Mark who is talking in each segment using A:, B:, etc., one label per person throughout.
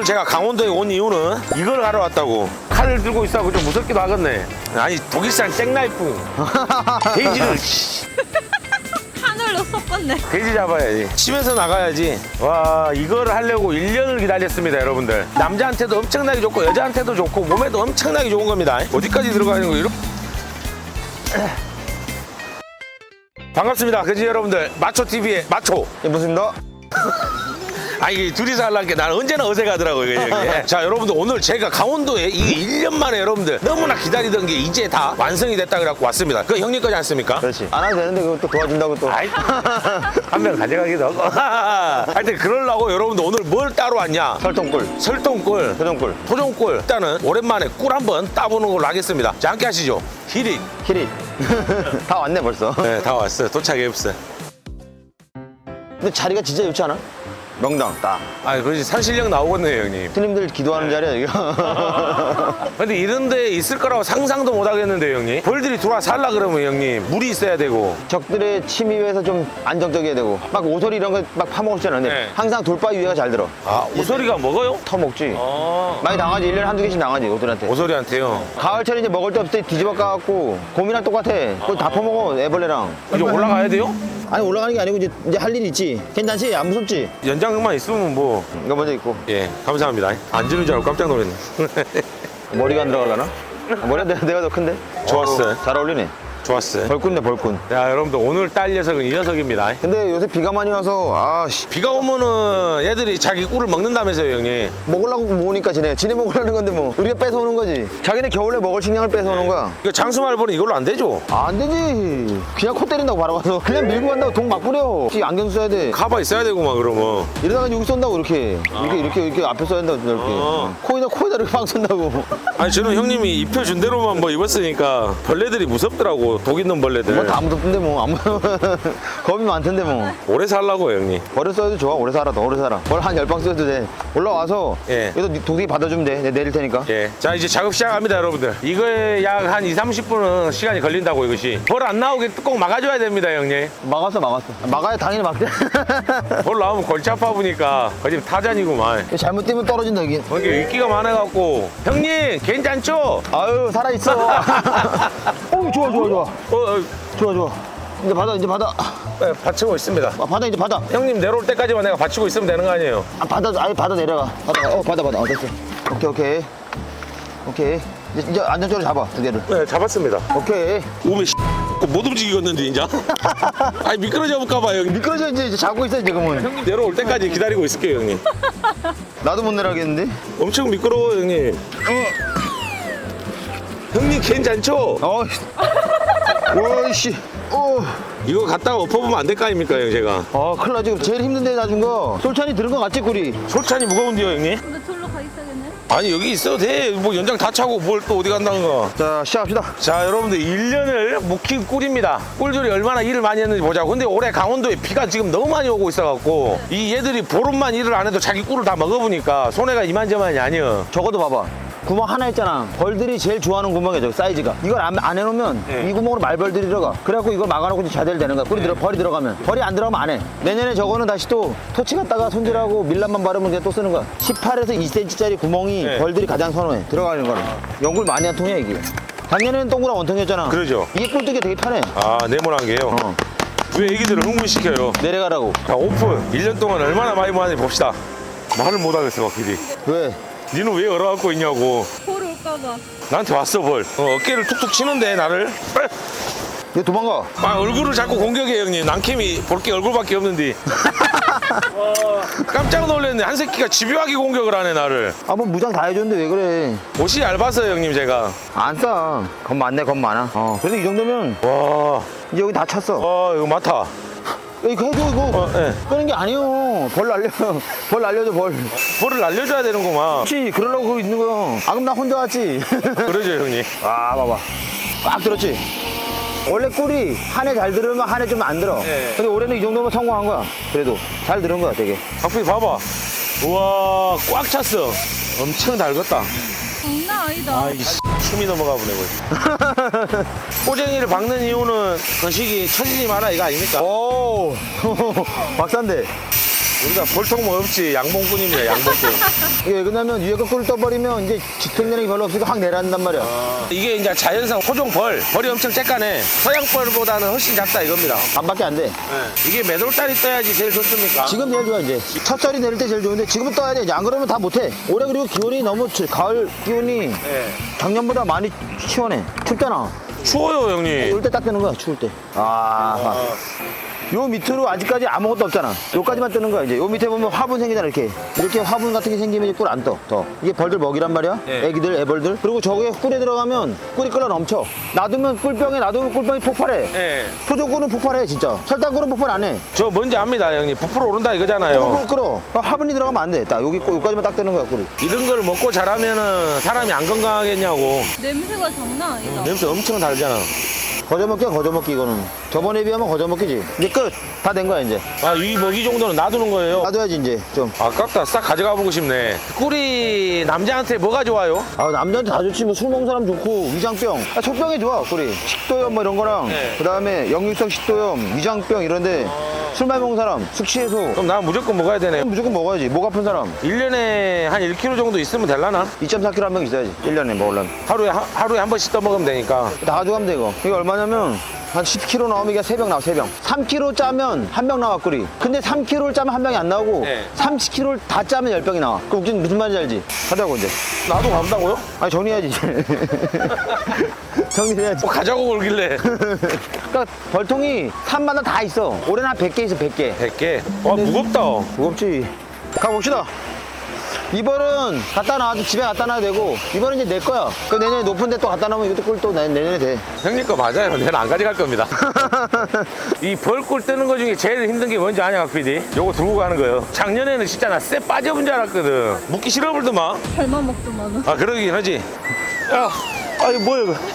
A: 오늘 제가 강원도에 온 이유는 이걸 하러 왔다고. 칼을 들고 있어서 좀 무섭기도 하겠네. 아니 독일산 잭나이프 돼지를
B: 하늘로 섞었네.
A: 돼지 잡아야지. 집에서 나가야지. 와, 이걸 하려고 1년을 기다렸습니다, 여러분들. 남자한테도 엄청나게 좋고 여자한테도 좋고 몸에도 엄청나게 좋은 겁니다. 어디까지 들어가는 거예요? 반갑습니다, 그지 여러분들. 마초TV의 마초.
C: 예, 무슨입니다.
A: 아, 이게 둘이서 하려는 게 나는 언제나 어색하더라고요, 이게. 자, 여러분들 오늘 제가 강원도에 이게 1년 만에 여러분들 너무나 기다리던 게 이제 다 완성이 됐다 그래갖고 왔습니다. 그 형님 거지 않습니까?
C: 그렇지. 안 해도 되는데 그거 또 도와준다고 또.
A: 아이, 한 명 가져가기도 하고. 하여튼 그러려고 여러분들 오늘 뭘 따로 왔냐?
C: 설동꿀,
A: 설동꿀,
C: 표정꿀,
A: 토종꿀. 일단은 오랜만에 꿀 한번 따보는 걸로 하겠습니다. 자, 함께 하시죠. 히릿.
C: 키릿. 다 왔네 벌써.
A: 네, 다 왔어요. 도착해 없어요.
C: 근데 자리가 진짜 좋지 않아? 명당 딱.
A: 아, 그렇지. 산신령 나오겠네요, 형님.
C: 스님들 기도하는 자리야 여기가.
A: 근데 이런 데 있을 거라고 상상도 못 하겠는데요, 형님. 벌들이 들어와 살라 그러면 형님 물이 있어야 되고.
C: 적들의 침입에서 좀 안정적이어야 되고 막 오소리 이런 거 막 파먹을 수 있잖아. 근데
A: 네.
C: 항상 돌바위 위에가 잘 들어.
A: 아, 오소리가 먹어요?
C: 터먹지.
A: 아,
C: 많이 당하지. 1년에 한두 개씩 당하지 오소리한테.
A: 오소리한테요.
C: 가을철에 이제 먹을 데 없을 때 뒤집어 까갖고 곰이랑 똑같아. 그거 다 퍼먹어 애벌레랑.
A: 이제 올라가야 돼요?
C: 아니 올라가는 게 아니고 이제 할 일이 있지. 괜찮지? 안 무섭지?
A: 연장만 있으면 뭐.
C: 이거 먼저 있고.
A: 예, 감사합니다. 안 주는 줄 알고 깜짝 놀랐네.
C: 머리가 안 들어가려나? 머리가 내가 더 큰데?
A: 좋았어요.
C: 잘 어울리네.
A: 좋았어요.
C: 벌꾼네 벌꾼.
A: 자, 여러분들 오늘 딸 녀석은 이 녀석입니다.
C: 근데 요새 비가 많이 와서 아씨
A: 비가 오면은 얘들이 자기 꿀을 먹는다면서요, 형님.
C: 먹으려고 모으니까 지네 먹으려는 건데 뭐 우리가 뺏어오는 거지. 자기네 겨울에 먹을 식량을 뺏어오는 거야.
A: 이거 장수말벌은 이걸로 안 되죠?
C: 안 되지. 그냥 코 때린다고 바로 가서 그냥 밀고 간다고 돈 막 뿌려. 안경 써야 돼.
A: 가봐 있어야 되고만 그러면.
C: 이러다가 여기 쏜다고 이렇게 이렇게 앞에 써야 된다고 이렇게.
A: 아.
C: 코에다 이렇게 막 쏜다고.
A: 아니 저는 형님이 입혀준 대로만 뭐 입었으니까 벌레들이 무섭더라고. 독 있는 벌레들.
C: 뭐 다 무섭던데 뭐 아무 겁이 많던데 뭐.
A: 오래 살라고 형님.
C: 벌을 써도 좋아. 오래 살아. 더 오래 살아. 벌 한 10방 써도 돼. 올라와서
A: 예.
C: 여기서 도둑이 받아주면 돼. 내가 내릴 테니까.
A: 예. 자, 이제 작업 시작합니다, 여러분들. 이거에 약 한 2~30분은 시간이 걸린다고, 이것이. 벌 안 나오게 꼭 막아줘야 됩니다, 형님.
C: 막았어. 막아야 당연히 막대.
A: 벌 나오면 골치 아파보니까 거의 타잔이구만.
C: 잘못 뛰면 떨어진다 여기.
A: 이게 인기가 많아갖고. 형님, 괜찮죠?
C: 아유 살아있어. 오 좋아. 좋아. 이제 받아.
A: 네, 받치고 있습니다.
C: 받아 이제 받아.
A: 형님 내려올 때까지만 내가 받치고 있으면 되는 거 아니에요?
C: 받아 내려가. 받아. 됐어. 오케이. 이제 안전적으로 잡아 두 개를.
A: 네, 잡았습니다.
C: 오케이.
A: 오메 못 움직이겠는데 이제. 아니 미끄러져 볼까봐 형님.
C: 미끄러져 이제 자고 있어 지금은.
A: 형님 내려올 때까지 기다리고 있을게요 형님.
C: 나도 못 내려가겠는데.
A: 엄청 미끄러워요 형님. 형님 괜찮죠?
C: 오이씨.
A: 이거 갖다가 엎어보면 안 될 거 아닙니까 형 제가.
C: 큰일 나 지금 제일 힘든 데 놔준 거. 솔찬이 들은 거 같지 꿀이?
A: 솔찬이 무거운데요 형님?
B: 근데 절로 가 있어야겠네.
A: 아니 여기 있어도 돼. 뭐 연장 다 차고 뭘 또 어디 간다는 거.
C: 자 시작합시다.
A: 자 여러분들 1년을 묵힌 꿀입니다. 꿀들이 얼마나 일을 많이 했는지 보자고. 근데 올해 강원도에 비가 지금 너무 많이 오고 있어갖고 이 얘들이 보름만 일을 안 해도 자기 꿀을 다 먹어보니까 손해가 이만저만이 아니여.
C: 저것도 봐봐. 구멍 하나 있잖아. 벌들이 제일 좋아하는 구멍이야 저기 사이즈가. 이걸 안 해놓으면
A: 네.
C: 이 구멍으로 말벌들이 들어가. 그래갖고 이걸 막아놓고 자대를 되는 거야. 벌이 들어가면. 벌이 안 들어가면 안 해. 내년에 저거는 다시 또 토치 갖다가 손질하고 밀랍만 바르면 그냥 또 쓰는 거야. 18에서 2cm짜리 구멍이
A: 네.
C: 벌들이 가장 선호해. 들어가는 거는. 연골 많이 한 통이야 이게. 작년에는 동그란 원통이었잖아.
A: 그러죠.
C: 이게 꿀뜨기 되게 편해.
A: 아 네모난 게요. 왜 애기들을 흥분시켜요?
C: 내려가라고.
A: 자 오픈. 1년 동안 얼마나 많이 모았는지 봅시다. 말을 못하겠어 길이.
C: 왜?
A: 니는 왜 얼어갖고 있냐고.
B: 볼 올까봐.
A: 나한테 왔어 벌. 어깨를 툭툭 치는데 나를.
C: 얘 도망가.
A: 아 얼굴을 자꾸 공격해 형님. 난캠이 볼 게 얼굴밖에 없는데. 깜짝 놀랐네. 한 새끼가 집요하게 공격을 하네 나를.
C: 아 뭐 무장 다 해줬는데 왜 그래.
A: 옷이 얇아서요 형님 제가.
C: 안 싸. 겁 많네 겁 많아. 그래도 이 정도면
A: 와.
C: 이제 여기 다 찼어.
A: 이거 많다.
C: 이거 해줘 이거.
A: 예.
C: 끄는 게 아니에요. 벌 날려줘 벌.
A: 벌을 날려줘야 되는구만.
C: 그렇지 그러려고 그러고 있는 거야. 아 그럼 나 혼자 왔지.
A: 그러죠 형님.
C: 아 봐봐. 꽉 들었지. 원래 꿀이 한 해 잘 들으면 한 해 좀 안 들어.
A: 네.
C: 근데 올해는 이 정도면 성공한 거야. 그래도 잘 들은 거야 되게.
A: 박수기 봐봐. 우와 꽉 찼어. 엄청 달궜다.
B: 장난 아니다.
A: 아이씨 숨이 넘어가 보네 거지. 꼬쟁이를 박는 이유는 건식이 처지지 마라 이거 아닙니까?
C: 오 박사인데.
A: 우리가 볼통 뭐 없지. 양봉꾼입니다, 양봉꾼.
C: 이게 왜 그러냐면 위에 거 꿀을 떠버리면 이제 집행력이 별로 없으니까 확 내려앉단 말이야.
A: 이게 이제 자연산 호종벌. 벌이 엄청 쬐까네. 서양벌보다는 훨씬 작다 이겁니다.
C: 반밖에 안 돼.
A: 이게 몇 월달이 떠야지 제일 좋습니까?
C: 지금 제일 좋아 이제. 첫절이 내릴 때 제일 좋은데 지금은 떠야 돼. 이제 안 그러면 다 못해. 올해 그리고 기온이 너무 가을 기온이 작년보다 많이 시원해. 춥잖아.
A: 추워요, 형님.
C: 추울 때 딱 뜨는 거야. 추울 때. 요 밑으로 아직까지 아무것도 없잖아. 요까지만 뜨는 거야 이제. 요 밑에 보면 화분 생기잖아 이렇게. 이렇게 화분 같은 게 생기면 이제 꿀 안 떠. 더. 이게 벌들 먹이란 말이야.
A: 네.
C: 애기들, 애벌들. 그리고 저게 꿀에 들어가면 꿀이 끓어 넘쳐. 놔두면 꿀병에 놔두면 꿀병이 폭발해.
A: 예.
C: 토종꿀은 폭발해 진짜. 설탕꿀은 폭발 안 해.
A: 저 뭔지 압니다, 형님. 부풀어 오른다 이거잖아요.
C: 꿀 끓어. 화분이 들어가면 안 돼. 딱 여기 요까지만 딱 뜨는 거야 꿀이.
A: 이런 걸 먹고 자라면은 사람이 안 건강하겠냐고.
B: 냄새가 장난 아니다.
A: 냄새 엄청 달잖아.
C: 거저먹기야 거저먹기 이거는. 저번에 비하면 거저먹기지. 이제 끝. 다 된 거야 이제.
A: 아, 이 먹이 정도는 놔두는 거예요.
C: 놔둬야지 이제 좀.
A: 아깝다. 싹 가져가 보고 싶네. 꿀이 남자한테 뭐가 좋아요?
C: 아 남자한테 다 좋지. 뭐 술 먹는 사람 좋고 위장병. 척병이 좋아 꿀이. 식도염 뭐 이런 거랑
A: 네.
C: 그다음에 역류성 식도염, 위장병 이런데 술 많이 먹는 사람, 숙취해소.
A: 그럼 난 무조건 먹어야 되네.
C: 무조건 먹어야지. 목 아픈 사람
A: 1년에 한 1kg 정도 있으면 될라나?
C: 2.4kg 한 명 있어야지. 1년에 먹으려면.
A: 하루에 한 번씩 떠먹으면 되니까.
C: 다 가져가면 돼 이거. 이게 얼마냐면 한 10kg 나오면 이게 3병 나와 3병. 3kg 짜면 한 병 나와 꿀이. 근데 3kg를 짜면 한 병이 안 나오고
A: 네.
C: 30kg를 다 짜면 10병이 나와. 그럼 웃긴 무슨 말인지 알지? 하자고 이제.
A: 나도 간다고요?
C: 아니 정리해야지. 정리해야지.
A: 뭐 가자고 그러길래.
C: 그러니까 벌통이 산마다 다 있어. 올해는 한 100개 있어 100개.
A: 100개. 와, 무겁다.
C: 무겁지. 가봅시다. 이번은 갖다 놔도 집에 갖다 놔도 되고 이번은 이제 내 거야. 그 내년에 높은 데 또 갖다 놓으면 이것도 꿀 또 내년에 돼.
A: 형님 거 맞아요. 내는 안 가져갈 겁니다. 이 벌꿀 뜨는 거 중에 제일 힘든 게 뭔지 아냐, PD? 요거 들고 가는 거예요. 작년에는 진짜 나 쎄 빠져본 줄 알았거든. 먹기 싫어버리더만.
B: 잘만 먹더만은.
A: 아, 그러긴 하지. 야, 아이, 뭐야, 이거.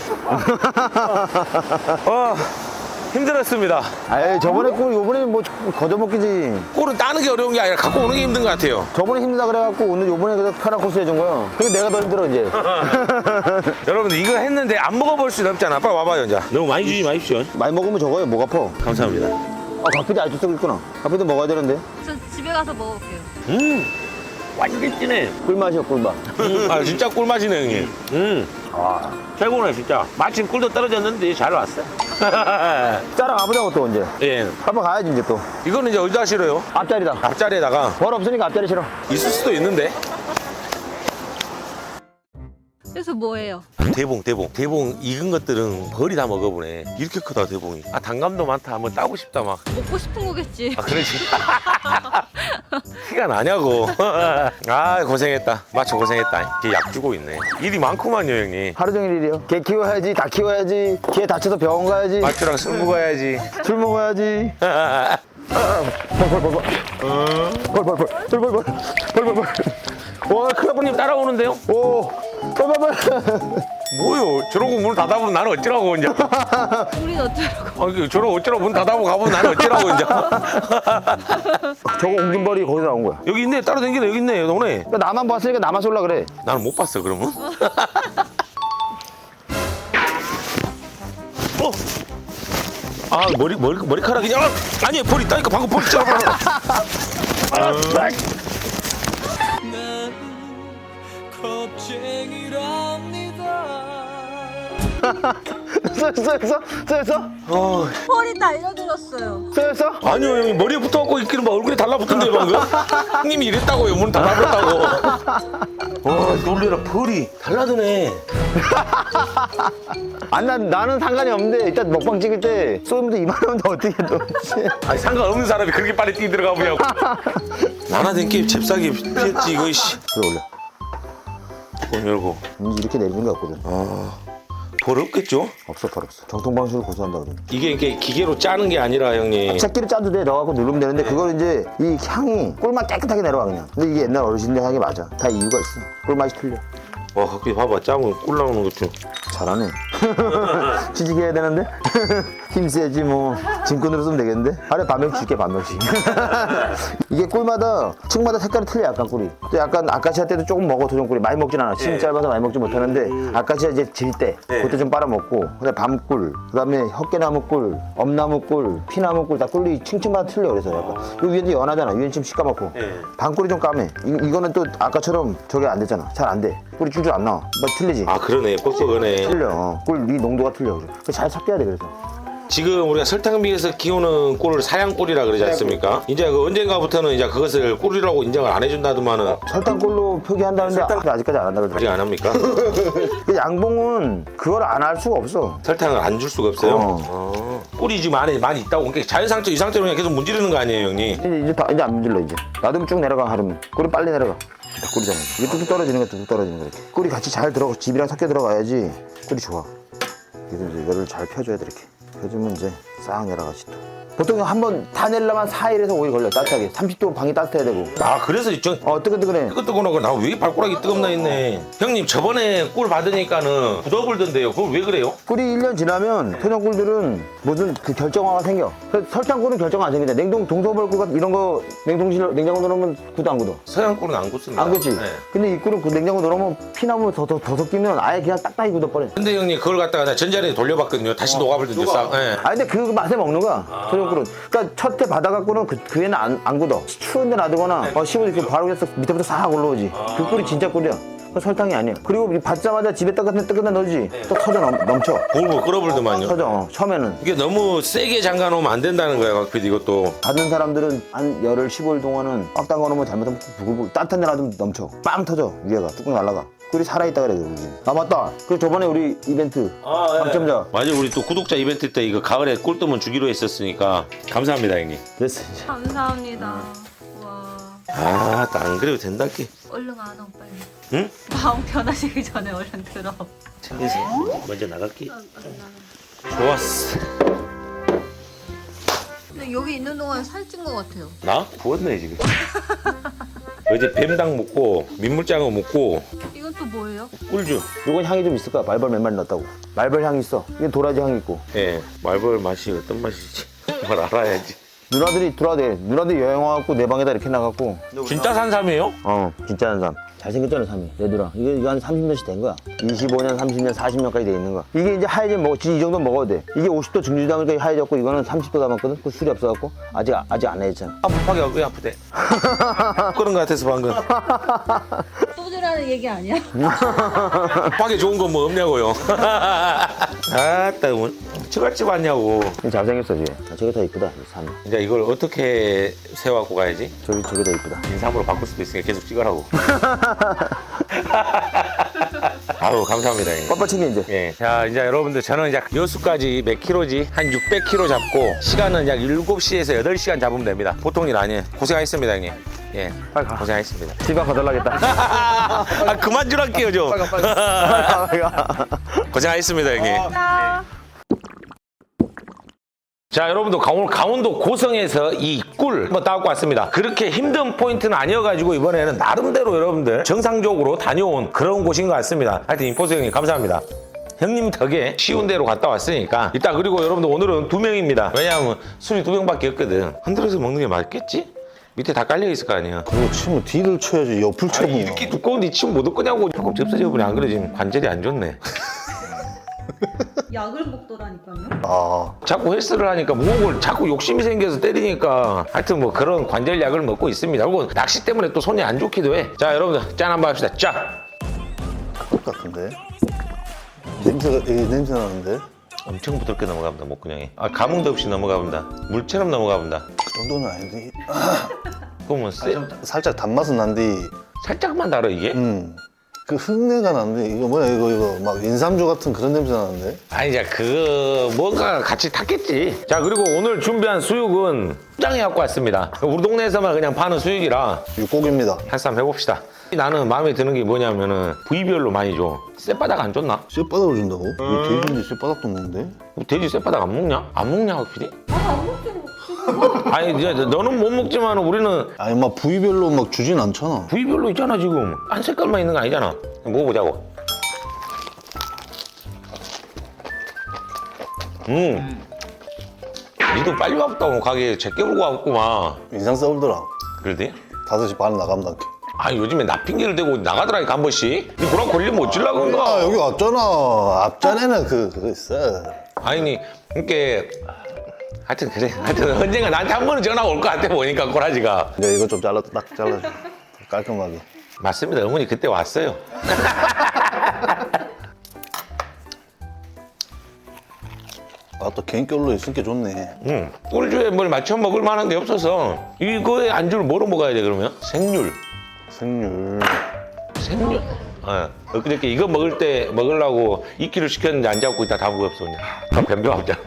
A: 힘들었습니다.
C: 아이 저번에 꿀 요번에 뭐 거저먹기지.
A: 꿀은 따는 게 어려운 게 아니라 갖고 오는 게 힘든 것 같아요.
C: 저번에 힘들다 그래갖고 오늘 요번에 그래서 편한 코스 해준 거야. 근데 내가 더 힘들어 이제.
A: 여러분, 이거 했는데 안 먹어볼 수는 없잖아. 빨리 와봐요, 이제. 너무 많이 주지 마십시오.
C: 많이 먹으면 적어요. 목 아파.
A: 감사합니다.
C: 아 각피디 아직도 쓰고 있구나. 각피디 먹어야 되는데.
B: 저 집에 가서 먹을게요.
A: 완전 진해.
C: 꿀맛이야 꿀맛.
A: 아, 진짜 꿀맛이네, 형님. 최고네, 진짜. 마침 꿀도 떨어졌는데 잘 왔어.
C: 짜랑 가보자고 또 언제.
A: 예.
C: 한번 가야지 이제 또.
A: 이거는 이제 어디다 실어요?
C: 앞자리다.
A: 앞자리에다가.
C: 벌 없으니까 앞자리 싫어.
A: 있을 수도 있는데.
B: 그래서 뭐예요?
A: 대봉 익은 것들은 벌이 다 먹어보네. 이렇게 크다, 대봉이. 아, 단감도 많다. 한번 따고 싶다, 막.
B: 먹고 싶은 거겠지.
A: 아, 그러지. 티가 나냐고. 아, 고생했다. 마초 고생했다. 걔 약 주고 있네. 일이 많구만요, 형님.
C: 하루 종일 일이요. 개 키워야지, 닭 키워야지, 개 다쳐서 병원 가야지,
A: 마초랑 술 먹어야지.
C: 술 먹어야지. 벌.
A: 와, 클라브님 따라오는데요?
C: 오, 벌.
A: 뭐요? 저러고 문 닫아보면 나는 어쩌라고, 이제.
B: 우린 어쩌라고.
A: 아, 저러고 어쩌라고 문 닫아보고 가보면 나는 어쩌라고, 이제.
C: 저거 옮긴 벌이 거기서 나온 거야.
A: 여기 있네. 따로 댕기네. 여기 있네. 너네.
C: 그러니까 나만 봤으니까 나만 쏠라 그래.
A: 나는 못 봤어, 그러면. 아, 머리카락이. 아, 아니, 벌 있다니까. 방금 벌 있잖아.
C: 쏘였어?
B: 펄이 달려들었어요.
C: 쏘였어?
A: 아니요, 형님. 머리에 붙어갖고 있기는 막 얼굴에 달라붙던데, 방금. 형님이 이랬다고요. 문 닫아버렸다고. 와, 놀래라. 벌이 달라드네.
C: 나는 상관이 없는데 일단 먹방 찍을 때 쏘면 2만 원도 어떻게 또.
A: 아니, 상관없는 사람이 그렇게 빨리 뛰들어가 보냐고. 나나된 게임 잽싸게 피했지, 이거, 씨.
C: 그래 올려.
A: 문 열고.
C: 이렇게 내리는 거 같거든.
A: 벌 없겠죠?
C: 없어 벌 없어. 정통 방식으로 고수한다 그래.
A: 이게 기계로 짜는 게 아니라, 형님.
C: 새끼를 짜도 돼. 넣어갖고 누르면 되는데 그걸 이제 이 향이 꿀맛 깨끗하게 내려와 그냥. 근데 이게 옛날 어르신들 향이 맞아. 다 이유가 있어. 꿀맛이 틀려.
A: 와, 갑자기 봐봐. 짜면 꿀 나오는 것 좀.
C: 잘하네. 취직해야 되는데? 힘 세지 뭐. 짐꾼으로 쓰면 되겠는데? 하루에 반 명씩 줄게, 반 명씩. 이게 꿀마다, 층마다 색깔이 틀려, 약간 꿀이. 또 약간 아카시아 때도 조금 먹어, 도전꿀이. 많이 먹진 않아. 심이 짧아서 많이 먹지 못하는데, 아카시아 이제 질 때, 그때 좀 빨아먹고, 그다음에 밤꿀, 그다음에 헛개나무꿀, 엄나무꿀, 피나무꿀 다 꿀이 층층마다 틀려. 그래서 약간. 요 위에도 연하잖아. 위에는 좀 시까맣고. 밤꿀이 좀 까매. 이거는 또 아까처럼 저게 안 되잖아. 잘 안 돼. 꿀이 줄줄 안 나와. 뭐 틀리지?
A: 아 그러네 뻑뻑하네.
C: 틀려. 꿀 이 농도가 틀려. 그래서 잘 섞여야 돼. 그래서.
A: 지금 우리가 설탕비에서 키우는 꿀을 사양꿀이라 그러지 않습니까? 이제 그 언젠가부터는 이제 그것을 꿀이라고 인정을 안 해준다더만은
C: 설탕꿀로 표기한다는데 아직까지 안 한다
A: 아직
C: 그러더라고.
A: 안 합니까?
C: 그 양봉은 그걸 안 할 수가 없어.
A: 설탕을 안 줄 수가 없어요. 꿀이 지금 안에 많이 있다고. 그러니까 자연상태 이 상태로 그냥 계속 문지르는 거 아니에요, 형님?
C: 이제 안 문질러 이제. 놔두면 쭉 내려가 하루면. 꿀이 빨리 내려가. 꿀이잖아. 이게 뚝뚝 떨어지는 거야, 뚝뚝 떨어지는 거야. 꿀이 같이 잘 들어가, 집이랑 섞여 들어가야지 꿀이 좋아. 그래서 이제 이거를 잘 펴줘야 돼 이렇게. 펴주면 이제 싹 내려가지 또. 보통 한번 다 내려면 4일에서 5일 걸려 따뜻하게. 30도 방이 따뜻해야 되고.
A: 아 그래서 저
C: 뜨끈뜨끈해.
A: 뜨끈뜨끈하고 나 왜 발가락이 뜨겁나 했네. 형님 저번에 꿀 받으니까는 굳어불던데요. 그건 왜 그래요?
C: 꿀이 1년 지나면 토종꿀들은 무슨 그 결정화가 생겨. 설탕꿀은 결정화 안 생긴다. 동서벌꿀 이런 거 냉장고 넣으면 굳어 안 굳어?
A: 서양 꿀은 안 굳습니다.
C: 안 굳지?
A: 네.
C: 근데 이 꿀은 그 냉장고 넣으면 피나무 더 섞이면 아예 그냥 딱딱이 굳어버려.
A: 근데 형님 그걸 갖다가 나 전자레인지 돌려봤거든요. 다시 녹아버리던데 싹. 네.
C: 아 근데 그 맛에 먹는 거야. 토종꿀은. 그러니까 첫 해 받아갖고는 그 애는 안 굳어. 추운데 놔두거나 15도 이렇게 바로 해서 밑에부터 싹 올라오지. 그 꿀이 진짜 꿀이야. 그 설탕이 아니야. 그리고 받자마자 집에 뜨끈한 넣지. 또 터져 넘쳐.
A: 볼볼 끓어불더만요.
C: 터져. 처음에는.
A: 이게 너무 세게 잠가놓으면 안 된다는 거야, 각피디 이것도.
C: 받는 사람들은 한 열흘 15일 동안은 꽉 담가놓으면 잘못하면 부글부글 따뜻한 데 놔두면 넘쳐. 빵 터져. 위에가 뚜껑 날라가. 꿀이 살아있다 그래. 아 맞다. 그 저번에 우리 이벤트 당첨자.
A: 맞아, 우리 또 구독자 이벤트 때 이거 가을에 꿀 뜨면 주기로 했었으니까 감사합니다, 형님.
C: 됐어 이제.
B: 감사합니다. 와.
A: 아, 안 그래도 된다께.
B: 얼른 안 와, 빨리.
A: 응?
B: 마음 편하시기 전에 얼른 들어.
A: 챙겨서 먼저 나갈게. 좋았어.
B: 근데 여기 있는 동안 살찐 것 같아요.
A: 나? 부었네 지금. 어제 뱀당 먹고 민물장어 먹고
B: 이건 또 뭐예요?
A: 꿀주.
C: 이건 향이 좀 있을 거야. 말벌 몇 마리 넣었다고. 말벌 향이 있어. 이게 도라지 향이 있고.
A: 예, 말벌 맛이 어떤 맛이지? 뭘 알아야지.
C: 누나들이 들어와야 돼. 누나들이 여행 와갖고 내 방에다 이렇게 나갔고.
A: 진짜 산삼이에요?
C: 진짜 한삼. 잘생겼잖아, 삼이. 내 누나. 이거 한 30년씩 된 거야. 25년, 30년, 40년까지 돼 있는 거야. 이게 이제 하얘지면 이 정도 먹어도 돼. 이게 50도 증류주 담으니까 하얘졌고, 이거는 30도 담았거든? 그 술이 없어갖고, 아직 안 하얘졌잖아.
A: 아프파게 왜 아프대? 그런 거 같아서 방금.
B: 소주라는 얘기 아니야?
A: 파게 좋은 건 뭐 없냐고요? 아따, 뭐 처갓집 왔냐고.
C: 잘생겼어, 뒤에. 저게 더 이쁘다, 이 삼이.
A: 이제 이걸 어떻게 세워갖고 가야지?
C: 저게 더 이쁘다.
A: 인삼으로 바꿀 수도 있으니까 계속 찍으라고. 아우, 감사합니다. 형님.
C: 빠 챙겨, 이제.
A: 예. 자, 이제 여러분들 저는 이제 여수까지 몇 킬로지? 한 600km 잡고 시간은 약 7시에서 8시간 잡으면 됩니다. 보통 일 아니에요. 고생하셨습니다, 형님. 예.
C: 빨리 가.
A: 고생하셨습니다.
C: 집에 가달라겠다.
A: 아, 그만 주랄게요, 좀.
C: 빨리 가.
A: 고생하셨습니다, 형님. 자, 여러분들 오늘 강원도 고성에서 이 꿀 한번 따갖고 왔습니다. 그렇게 힘든 포인트는 아니어가지고 이번에는 나름대로 여러분들 정상적으로 다녀온 그런 곳인 것 같습니다. 하여튼 임포스 형님 감사합니다. 형님 덕에 쉬운 데로 갔다 왔으니까 이따. 그리고 여러분들 오늘은 2명입니다. 왜냐하면 술이 2병밖에 없거든. 흔들어서 먹는 게 맞겠지? 밑에 다 깔려 있을 거 아니야.
D: 그거 치면 뒤를 쳐야지 옆을 쳐고.
A: 이렇게 두꺼운데 치면 못 얻거냐고. 조금 접사져버려. 안 그래 지금 관절이 안 좋네.
B: 약을 먹더라니까요.
D: 아,
A: 자꾸 헬스를 하니까 목을 자꾸 욕심이 생겨서 때리니까 하여튼 뭐 그런 관절약을 먹고 있습니다. 그리고 낚시 때문에 또 손이 안 좋기도 해. 자, 여러분들 짠 한번 합시다. 짠!
D: 똑같은데? 냄새 나는데?
A: 엄청 부드럽게 넘어갑니다, 목구멍이. 아, 감흥도 없이 넘어가본다. 물처럼 넘어가본다.
D: 그 정도는 아닌데.
A: 그러면
D: 살짝 단맛은 난데,
A: 살짝만 달아 이게?
D: 그 흙내가 나는데, 이거 뭐야, 이거 막 인삼주 같은 그런 냄새 나는데?
A: 아니, 이제 그 뭔가 같이 탔겠지. 자, 그리고 오늘 준비한 수육은 짱이 갖고 왔습니다. 우리 동네에서만 그냥 파는 수육이라
D: 육고기입니다.
A: 한쌈 해봅시다. 나는 마음에 드는 게 뭐냐면은 부위별로 많이 줘. 쌔바닥 안 줬나?
D: 쇠바닥을 준다고? 왜 돼지인데 쇠바닥도 먹는데?
A: 돼지 쇠바닥 안 먹냐? 안 먹냐, PD? 아니, 이제 너는 못 먹지만 우리는
D: 아니, 막 부위별로 막 주진 않잖아.
A: 부위별로 있잖아, 지금. 한 색깔만 있는 거 아니잖아. 먹어보자고. 니도 빨리 왔다고 가게 제껴 불고 왔구만.
D: 인상 써올더라.
A: 그러대?
D: 5시 반에 나간다.
A: 아 요즘에 나 핑계를 대고 나가더라니까 한 번씩. 니 그럼 걸리면 어쩌려고
D: 아,
A: 그런가?
D: 여기 왔잖아. 앞전에는 그거 있어.
A: 아니 그니까 하여튼 그래. 하여튼 언젠가 나한테 한 번은 전화가 올 것 같아 보니까 꼬라지가.
D: 이제 이거 좀 딱 잘라줘. 깔끔하게.
A: 맞습니다. 어머니 그때 왔어요.
D: 아, 또 개인결로 있으니까 좋네.
A: 꿀주에 뭘 맞춰 먹을 만한 게 없어서 이거에 안주를 뭐로 먹어야 돼 그러면? 생률.
D: 생률.
A: 생률. 엊그저께 이거 먹으려고 2kg 시켰는데 안 잡고 있다 다 먹었어 그냥. 변병합잖아.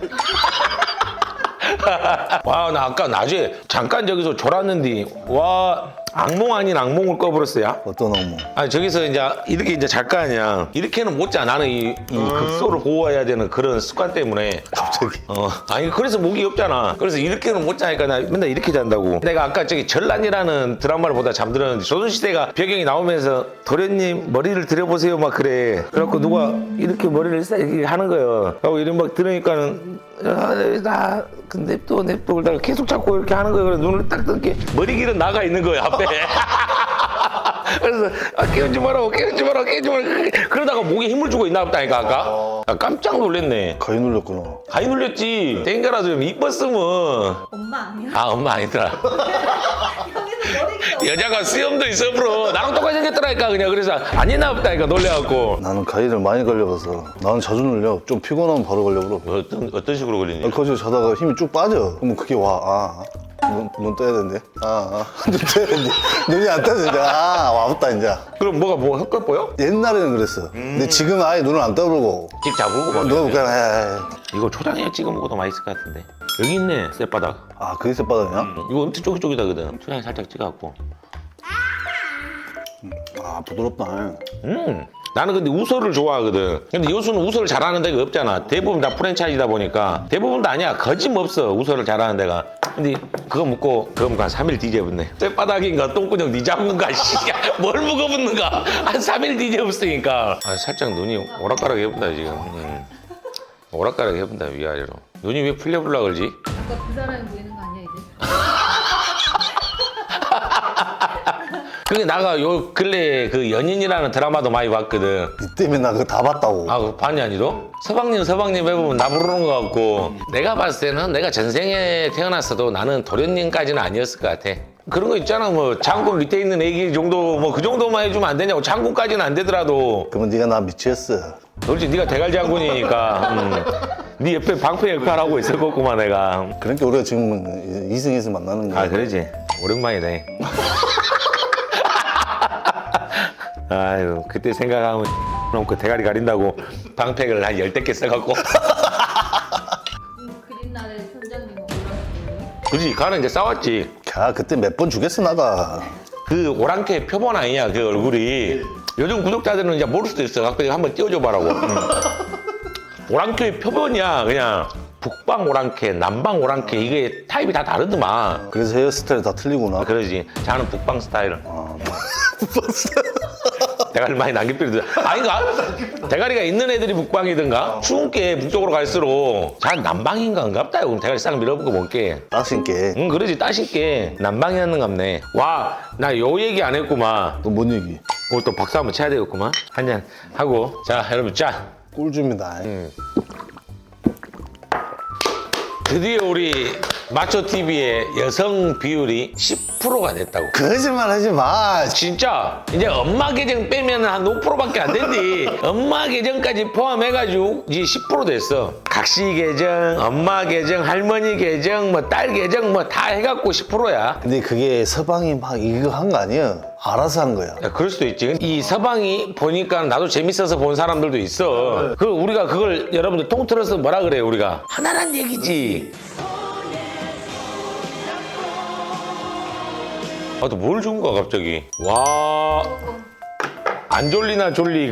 A: 와, 나 아까 낮에 잠깐 저기서 졸았는데 와 악몽 아닌 악몽을 꿔버렸어요.
D: 어떤 업무?
A: 아니 저기서 이제 이렇게 이제 잘 거 아니야. 이렇게는 못 자. 나는 이 극소를 보호해야 되는 그런 습관 때문에.
D: 갑자기.
A: 아니 그래서 목이 없잖아. 그래서 이렇게는 못 자니까 나 맨날 이렇게 잔다고. 내가 아까 저기 전란이라는 드라마를 보다 잠들었는데 조선시대가 배경이 나오면서 도련님 머리를 들여보세요 막 그래. 그래갖고 누가 이렇게 머리를 이렇게 하는 거예요. 하고 이런 막 들으니까는 나 냅둬 그러다가 계속 자꾸 이렇게 하는 거예요. 그래서 눈을 딱 뜨게 머리 길은 나가 있는 거예요 앞에. 그래서 깨우지 마라 그러다가 목에 힘을 주고 있나 보다니까 아까. 나 깜짝 놀랐네.
D: 가위 눌렸구나.
A: 가위 눌렸지. 땡겨라도 좀 이뻤으면.
B: 엄마 아니야?
A: 아 엄마 아니더라.
B: 여기서 머리가
A: 여자가 수염도 있어 브로. 나랑 똑같이 생겼더라니까 그냥. 그래서 안 했나 보다니까 놀래갖고.
D: 나는 가위를 많이 걸려봐서 나는 자주 눌려. 좀 피곤하면 바로 걸려버려.
A: 어떤 식으로 걸리니?
D: 거기서 자다가 힘이 쭉 빠져. 그러면 그게 와. 눈 떠야 되는데. 눈 떠야 되는데. 눈이 안 떠야 되는데. 와봤다 이제.
A: 그럼 뭐가 뭐 효과 보여?
D: 옛날에는 그랬어. 근데 지금 아예 눈을 안 떠불고.
A: 집 잡을고 막.
D: 누가 그냥 해.
A: 이거 초장에 찍어 먹어도 맛있을 것 같은데. 여기 있네 쌔바닥.
D: 그게 쌔바닥이야?
A: 이거 엄청 쫄깃쫄깃하거든. 초장에 살짝 찍어갖고.
D: 부드럽다.
A: 나는 근데 우설을 좋아하거든. 근데 요수는 우설을 잘하는 데가 없잖아. 대부분 다 프랜차이즈다 보니까. 대부분 다 아니야. 거짓없어 우설을 잘하는 데가. 근데 그거 먹고 한 3일 뒤져붙네. 쌔바닥인가 똥구녕 니 잡은가 씨야. 뭘 먹어붙는가. 한 3일 뒤져붙으니까. 살짝 눈이 오락가락 해본다 지금. 오락가락 해본다 위아래로. 눈이 왜 풀려불라 그러지?
B: 아까 그 사람이 보이는 거 아니야 이제?
A: 그게 나가 요 근래 그 연인이라는 드라마도 많이 봤거든.
D: 니 때문에 나 그거 다 봤다고.
A: 그거 봤니 아니도? 서방님 해보면 나 부르는 것 같고. 내가 봤을 때는 내가 전생에 태어났어도 나는 도련님까지는 아니었을 것 같아. 그런 거 있잖아. 뭐 장군 밑에 있는 애기 정도 뭐 그 정도만 해주면 안 되냐고. 장군까지는 안 되더라도.
D: 그러면 네가 나 미치겠어.
A: 그렇지. 네가 대갈 장군이니까. 네 옆에 방패 역할 하고 있을 거구만 내가.
D: 그러니까 우리가 지금 이승에서 만나는 거야.
A: 그러지. 오랜만이네. 아유 그때 생각하면 그 대가리 가린다고 방패를 한 10대 써갖고.
B: 그린날에 선장님 올라왔어요?
A: 그지 가는 이제 싸웠지.
D: 그때 몇 번 주겠어 나가.
A: 그 오랑캐 표본 아니냐 그 얼굴이. 요즘 구독자들은 이제 모를 수도 있어. 갖고 한번 띄워줘 봐라고. 오랑캐의 표본이야 그냥. 북방 오랑캐, 남방 오랑캐 이게 타입이 다 다르더만.
D: 그래서 헤어스타일 다 틀리구나.
A: 그러지. 자는 북방 스타일.
D: 북방 스타일.
A: 대가리 많이 남겨필드. 아닌가? 대가리가 있는 애들이 북방이든가 추운 게 북쪽으로 갈수록 잘 남방인가 응갑다. 그럼 대가리 싹 밀어붙고 먹게.
D: 따신게.
A: 응 그러지 따실게. 남방이었는갑네. 와 나 요 얘기 안 했구만.
D: 또 뭔 얘기?
A: 오늘 또 박수 한번 쳐야 되겠구만. 한잔 하고. 자 여러분 짜.
D: 꿀줍니다.
A: 드디어 우리 마초TV의 여성 비율이 10%가 됐다고.
D: 거짓말 하지 마.
A: 진짜 이제 엄마 계정 빼면 한 5%밖에 안 된디. 엄마 계정까지 포함해가지고 이제 10% 됐어. 각시 계정, 엄마 계정, 할머니 계정, 뭐 딸 계정 뭐 다 해갖고 10%야.
D: 근데 그게 서방이 막 이거 한 거 아니야. 알아서 한 거야.
A: 그럴 수도 있지. 이 서방이 보니까 나도 재밌어서 본 사람들도 있어. 그 우리가 그걸 여러분들 통틀어서 뭐라 그래요 우리가? 하나란 얘기지. 또 뭘 준 거야 갑자기. 와. 안 졸리나 졸리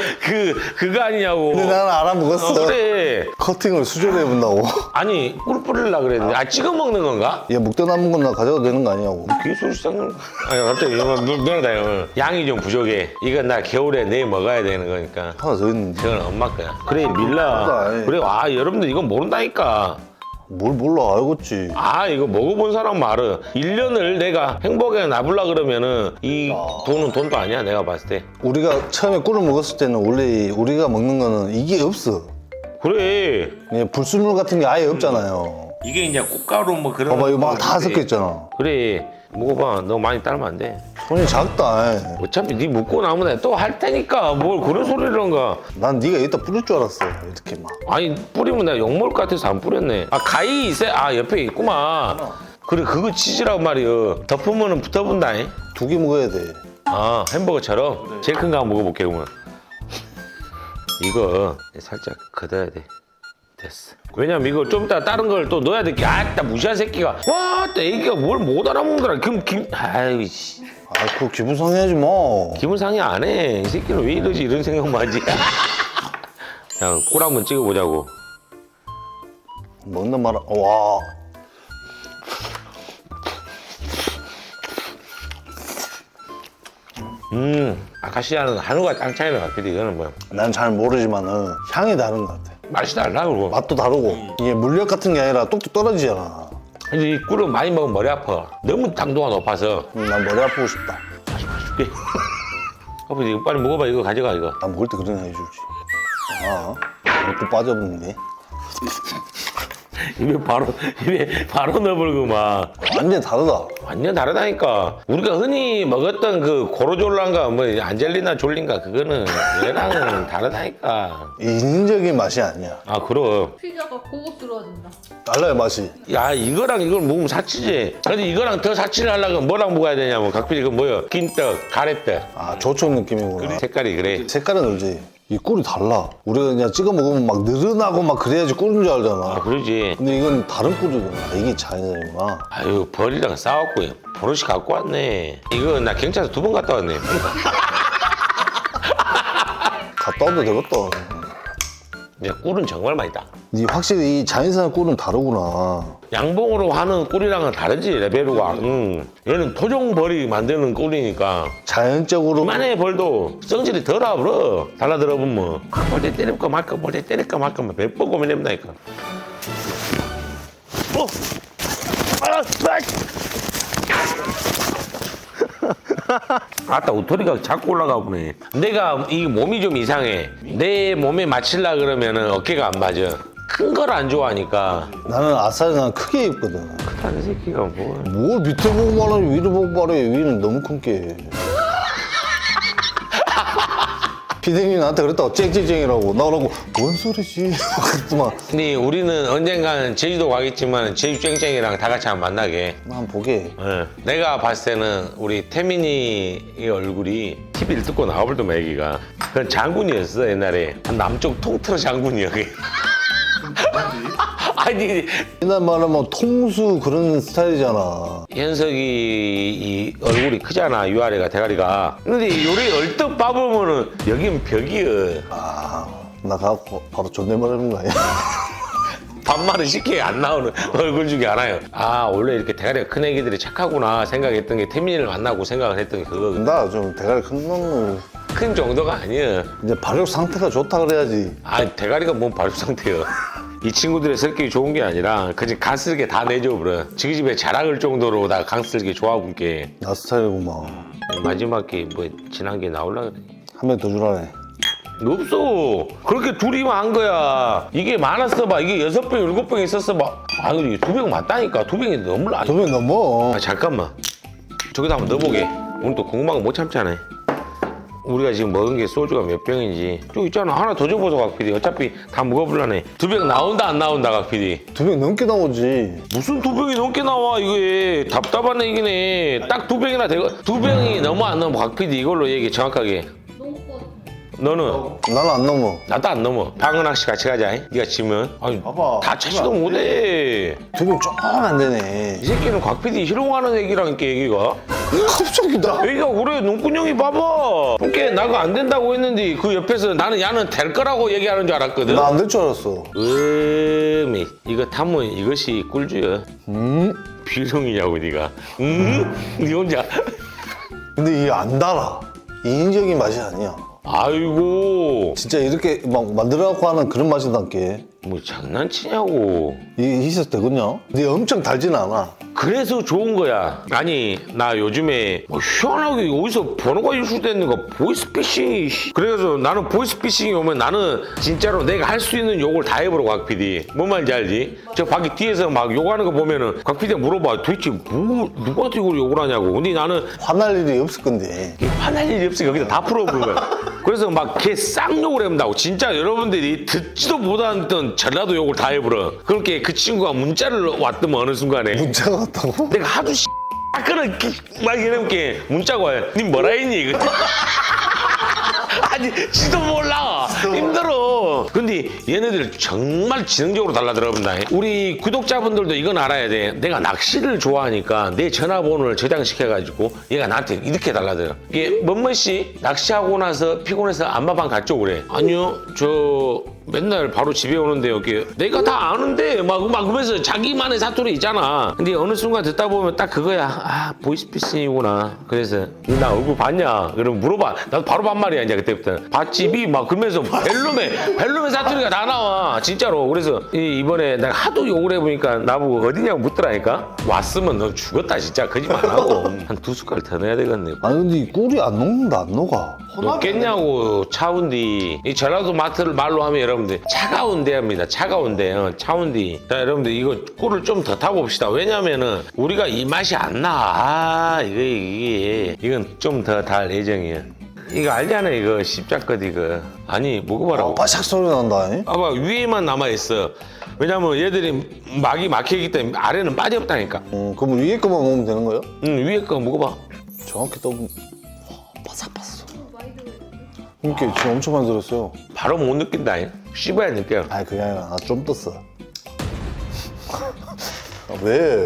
A: 그거 아니냐고.
D: 근데 나는 알아먹었어.
A: 그래.
D: 커팅을 수저로 해본다고.
A: 아니 꿀 뿌리려고 그랬는데 아 찍어 먹는 건가?
D: 얘 묵대 남은 건 나 가져도 되는 거 아니냐고.
A: 귀소리 쌍 아니 갑자기 이거 미안하다 형 양이 좀 부족해 이건 나 겨울에 내일 먹어야 되는 거니까
D: 하나 더 있는데.
A: 이건 엄마 거야 그래 밀라
D: 아이.
A: 그래 아 여러분들 이건 모른다니까
D: 뭘 몰라, 알겠지.
A: 아 이거 먹어본 사람 말은 1년을 내가 행복하게 놔불라 그러면은 이 돈은 돈도 아니야 내가 봤을 때
D: 우리가 처음에 꿀을 먹었을 때는 원래 우리가 먹는 거는 이게 없어.
A: 그래
D: 그냥 불순물 같은 게 아예 없잖아요.
A: 이게 이제 꽃가루 뭐 그런
D: 봐봐, 이거 막
A: 거
D: 다
A: 있는데.
D: 섞여 있잖아.
A: 그래 먹어봐 너 많이 따르면 안돼
D: 손이 작다.
A: 어차피 네 먹고 나면 또 할 테니까 뭘 그런 소리를 한가
D: 난 네가 여기다 뿌릴 줄 알았어. 이렇게 막.
A: 아니 뿌리면 내가 욕먹을 것 같아서 안 뿌렸네 아 가위 있어? 아 옆에 있구만 그래 그거 치즈라고 말이여 덮으면 붙어본다
D: 2개 먹어야 돼.
A: 아 햄버거처럼 제일 큰 거 한번 먹어볼게 그러면 이거 살짝 걷어야 돼 됐어 왜냐면 이거 좀 이따 다른 걸 또 넣어야 될게 아따 무시한 새끼가 와또 애기가 뭘 못 알아먹더라 아이 씨
D: 아, 그거 기분 상해하지 마.
A: 기분 상해 안 해. 이 새끼는 왜 이러지 이런 생각만 하지 자, 꿀 한번 찍어보자고
D: 먹는 말아. 와.
A: 아카시아는 한우가 땅 차이는 같거든 이거는 뭐야
D: 난 잘 모르지만은 향이 다른 것 같아.
A: 맛이 달라 그러고
D: 맛도 다르고. 이게 물엿 같은 게 아니라 뚝뚝 떨어지잖아.
A: 근데 이 꿀은 많이 먹으면 머리 아파 너무 당도가 높아서
D: 난 머리 아프고 싶다.
A: 줄게 아버지 이거 빨리 먹어봐 이거 가져가 이거
D: 난 먹을 때 그런 거 해주지. 아, 이것도 빠져버리네.
A: 입에 바로 넣어버리고만
D: 완전 다르다.
A: 완전 다르다니까 우리가 흔히 먹었던 그 고로졸란가 뭐 안젤리나 졸린가 그거는 얘랑은 다르다니까
D: 인위적인 맛이 아니야.
A: 아 그럼
B: 피자가 고급스러워진다.
D: 달라요, 맛이.
A: 야 이거랑 이걸 먹으면 사치지 근데 이거랑 더 사치를 하려면 뭐랑 먹어야 되냐면 각별히 그 뭐야 긴떡 가래떡
D: 아, 조청 느낌이구나.
A: 색깔이 그래
D: 색깔은 알지? 이 꿀이 달라. 우리가 그냥 찍어 먹으면 막 느른하고 막 그래야지 꿀인 줄
A: 아
D: 알잖아.
A: 그러지
D: 근데 이건 다른 꿀이구나. 이게 차이구나.
A: 아유 벌이랑 싸웠고 버릇이 갖고 왔네 이거 나 경찰서 2번 갔다 왔네
D: 갔다 와도 되겠다.
A: 야 꿀은 정말 맛있다
D: 니 확실히 이 자연산 꿀은 다르구나.
A: 양봉으로 하는 꿀이랑은 다르지 레벨로가 얘는 토종벌이 만드는 꿀이니까
D: 자연적으로
A: 이만해 벌도 성질이 덜 와버려 달라들어 보면 볼때 때릴까 말까 볼때 때릴까 말까 몇 번 고민해본다니까 아따 우토리가 자꾸 올라가 보네 내가 이 몸이 좀 이상해 내 몸에 맞추려 그러면은 어깨가 안 맞아 큰 걸 안 좋아하니까
D: 나는 아싸리 난 크게 입거든.
A: 다른 새끼가 뭐
D: 뭘 밑에 보고 말하지 위로 보고 말해. 위는 너무 큰 게. 피디님이 나한테 그랬다고 쨍쨍쨍이라고 나오라고 뭔 소리지? 그랬더만
A: 근데 우리는 언젠가는 제주도 가겠지만 제주 쨍쨍이랑 다 같이 한번 만나게
D: 난 보게.
A: 예. 내가 봤을 때는 우리 태민이의 얼굴이 TV를 뜯고 나와버리더만 애기가 그건 장군이었어 옛날에 남쪽 통틀어 장군이야 그게 아니
D: 옛날 말하면 통수 그런 스타일이잖아.
A: 현석이 이 얼굴이 크잖아 위아래가 대가리가 근데 요리 얼떡 봐보면은 여긴 벽이여
D: 아, 나 가고 바로 존댓말 하는 거 아니야?
A: 반말은 쉽게 안 나오는 얼굴 중에 하나요 아 원래 이렇게 대가리가 큰 애기들이 착하구나 생각했던 게 태민이를 만나고 생각을 했던 게 그거
D: 나 좀 대가리 큰 놈은
A: 큰 정도가 아니야
D: 이제 발육 상태가 좋다 그래야지.
A: 아 대가리가 뭔 발육 상태야 이 친구들의 성격이 좋은 게 아니라 그냥 간쓸게 다 내줘 버려 지기 집에 자랑할 정도로 다 간쓸게 좋아하고 게
D: 나 스타일이구만.
A: 마지막에 뭐 지난 게 나올라 그래
D: 한 명 더 주라네.
A: 없어 그렇게 둘이만 한 거야 이게 많았어 봐 이게 6병 7병 있었어 봐 아 이게 2병 맞다니까 2병이 너무 나
D: 두 명 넘어.
A: 아 잠깐만 저기다 한번 넣어보게 오늘 또 궁금한 거 못 참잖아 우리가 지금 먹은 게 소주가 몇 병인지 저기 있잖아 하나 더 줘보소 각 PD 어차피 다 먹어볼라네 2병 나온다 안 나온다 각 PD
D: 두 명 넘게 나오지.
A: 무슨 2병이 넘게 나와 이게 답답한 얘기네 딱 2병이나 되고 2병이 넘어 안 넘어 각 PD 이걸로 얘기 정확하게
B: 너무 뻔.
A: 너는?
D: 나는 안 넘어.
A: 나도 안 넘어. 방은학 씨 같이 가자. 네가 지면. 아니,
D: 봐봐.
A: 다 차지도 못해.
D: 되게 조금 안 되네.
A: 이 새끼는 곽 PD 희롱하는 얘기라니까 얘기가.
D: 갑자기 나.
A: 여기가 올해 눈꾼형이 봐봐. 그렇게 나가 안 된다고 했는데 그 옆에서 나는 야는 될 거라고 얘기하는 줄 알았거든.
D: 나 안 될 줄 알았어.
A: 이거 타면 이것이 꿀주야. 비룡이냐고 네가. 네 혼자.
D: 근데 이게 안 달아. 인위적인 맛이 아니야.
A: 아이고
D: 진짜 이렇게 막 만들어갖고 하는 그런 맛이 남게.
A: 뭐 장난치냐고.
D: 이게 있어도 되거든요. 근데 엄청 달진 않아.
A: 그래서 좋은 거야. 아니 나 요즘에 뭐 희한하게 어디서 번호가 유출되는 거 보이스피싱이. 그래서 나는 보이스피싱이 오면 나는 진짜로 내가 할 수 있는 욕을 다 해버려. 곽 PD 뭔 말인지 알지? 저 밖에 뒤에서 막 욕하는 거 보면은 곽 PD가 물어봐. 도대체 뭐 누구한테 이걸 욕을 하냐고. 근데 나는
D: 화날 일이 없을 건데.
A: 화날 일이 없으니까 여기다 다 풀어보는 거야. 그래서 막 걔 쌍욕을 해본다고. 진짜 여러분들이 듣지도 못하던 전라도 욕을 다 해버려. 그렇게 그 친구가 문자를 왔더만 어느 순간에
D: 문자가 왔다고?
A: 내가 하도 그런 막 이렇게 문자가 와요. 니 뭐라 했니 이거? 아니 지도 몰라. 힘들어. 근데 얘네들 정말 지능적으로 달라들어본다. 우리 구독자분들도 이건 알아야 돼. 내가 낚시를 좋아하니까 내 전화번호를 저장시켜가지고 얘가 나한테 이렇게 달라들어. 이게 뭔뭐 씨 낚시하고 나서 피곤해서 안마방 갔죠 그래. 아니요 저 맨날 바로 집에 오는데 여기 내가 다 아는데 막 그러면서 자기만의 사투리 있잖아. 근데 어느 순간 듣다 보면 딱 그거야. 아 보이스피싱이구나. 그래서 나 얼굴 봤냐? 그럼 물어봐. 나도 바로 반말이야 이제 그때부터. 봤지비 막 그러면서 벨룸의 사투리가 다 나와 진짜로. 그래서 이번에 내가 하도 욕을 해보니까 나보고 어디냐고 묻더라니까. 왔으면 너 죽었다 진짜. 거짓말 안 하고 한 2숟갈 더 넣어야 되겠네.
D: 아니 근데 이 꿀이 안 녹는다 안 녹아.
A: 녹겠냐고. 차운디. 이 전라도 마트를 말로 하면 여러분들 차가운 데입니다. 차가운 데. 차운디. 자 여러분들 이거 꿀을 좀 더 타고 봅시다. 왜냐면은 우리가 이 맛이 안 나. 이건 좀 더 달 예정이야. 이거 알잖아 이거 십자껏 이거. 아니 먹어봐라.
D: 바삭 소리 난다. 잉?
A: 봐봐 위에만 남아있어. 왜냐면 얘들이 막이 막혀있기 때문에 아래는 빠져없다니까.
D: 그럼 위에 거만 먹으면 되는 거예요?
A: 위에 거 먹어봐.
D: 정확히 떠보면 바삭바삭.
B: 많이 들어있는데?
D: 이렇게 지금 엄청 많이 들었어요.
A: 바로 못 느낀다. 씹어야 느껴.
D: 아니 그게 아니라 나 좀 떴어. 아, 왜?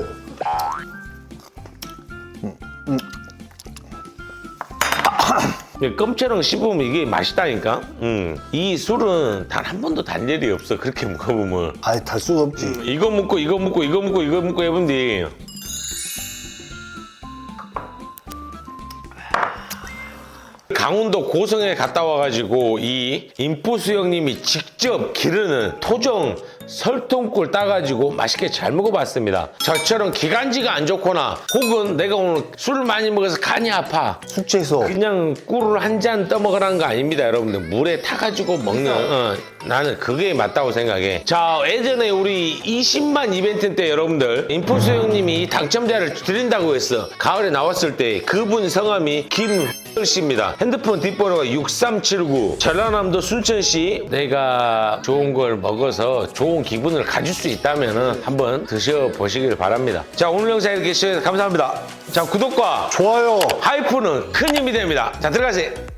A: 껌처럼 씹으면 이게 맛있다니까. 이 술은 단 한 번도 단 일이 없어. 그렇게 먹어보면.
D: 아니 달 수가 없지.
A: 이거 먹고 이거 먹고 이거 먹고 이거 먹고 해본디. 강원도 고성에 갔다 와가지고 이 인포수 형님이 직접 기르는 토종 설통꿀 따가지고 맛있게 잘 먹어봤습니다. 저처럼 기관지가 안 좋거나 혹은 내가 오늘 술을 많이 먹어서 간이 아파.
D: 숙제에서
A: 그냥 꿀을 한 잔 떠먹으라는 거 아닙니다, 여러분들. 물에 타가지고 먹는 나는 그게 맞다고 생각해. 자, 예전에 우리 20만 이벤트 때 여러분들 인포수 형님이 당첨자를 드린다고 했어. 가을에 나왔을 때 그분 성함이 김씨입니다. 핸드폰 뒷번호가 6379. 전라남도 순천시. 내가 좋은 걸 먹어서 좋은 기분을 가질 수 있다면 한번 드셔보시길 바랍니다. 자, 오늘 영상 이렇게 시청해주셔서 감사합니다. 자, 구독과
D: 좋아요.
A: 하이프는 큰 힘이 됩니다. 자, 들어가세요.